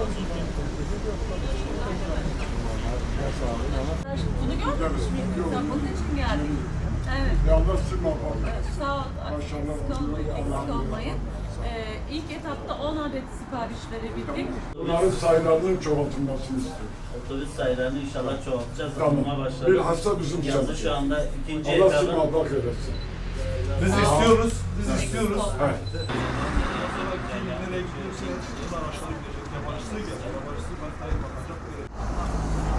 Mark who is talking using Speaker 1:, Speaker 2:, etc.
Speaker 1: Bunu görmemiş miydin? Sen bunun için geldin. Evet.
Speaker 2: Yalnız sıkma bak.
Speaker 1: Sağ ol.
Speaker 2: Maşallah.
Speaker 1: Eksik olmayın. İlk etapta 10 adet sipariş verebildik.
Speaker 2: Bunların sayılarının çoğaltılmasını istiyorum.
Speaker 3: Otobüs sayılarını inşallah çoğaltacağız.
Speaker 2: Tamam.
Speaker 3: Buna başladık.
Speaker 2: Bilhassa bizim
Speaker 3: Yazı
Speaker 2: çalışıyoruz.
Speaker 3: şu anda ikinci
Speaker 2: Allah
Speaker 3: etabın.
Speaker 2: sıkma bak eylesin.
Speaker 4: Biz istiyoruz. Biz istiyoruz.
Speaker 2: Evet.
Speaker 4: Nereye gidiyorsa buradan aşağı gidecek. Yabancısı gelecek. Yabancısı bakacak.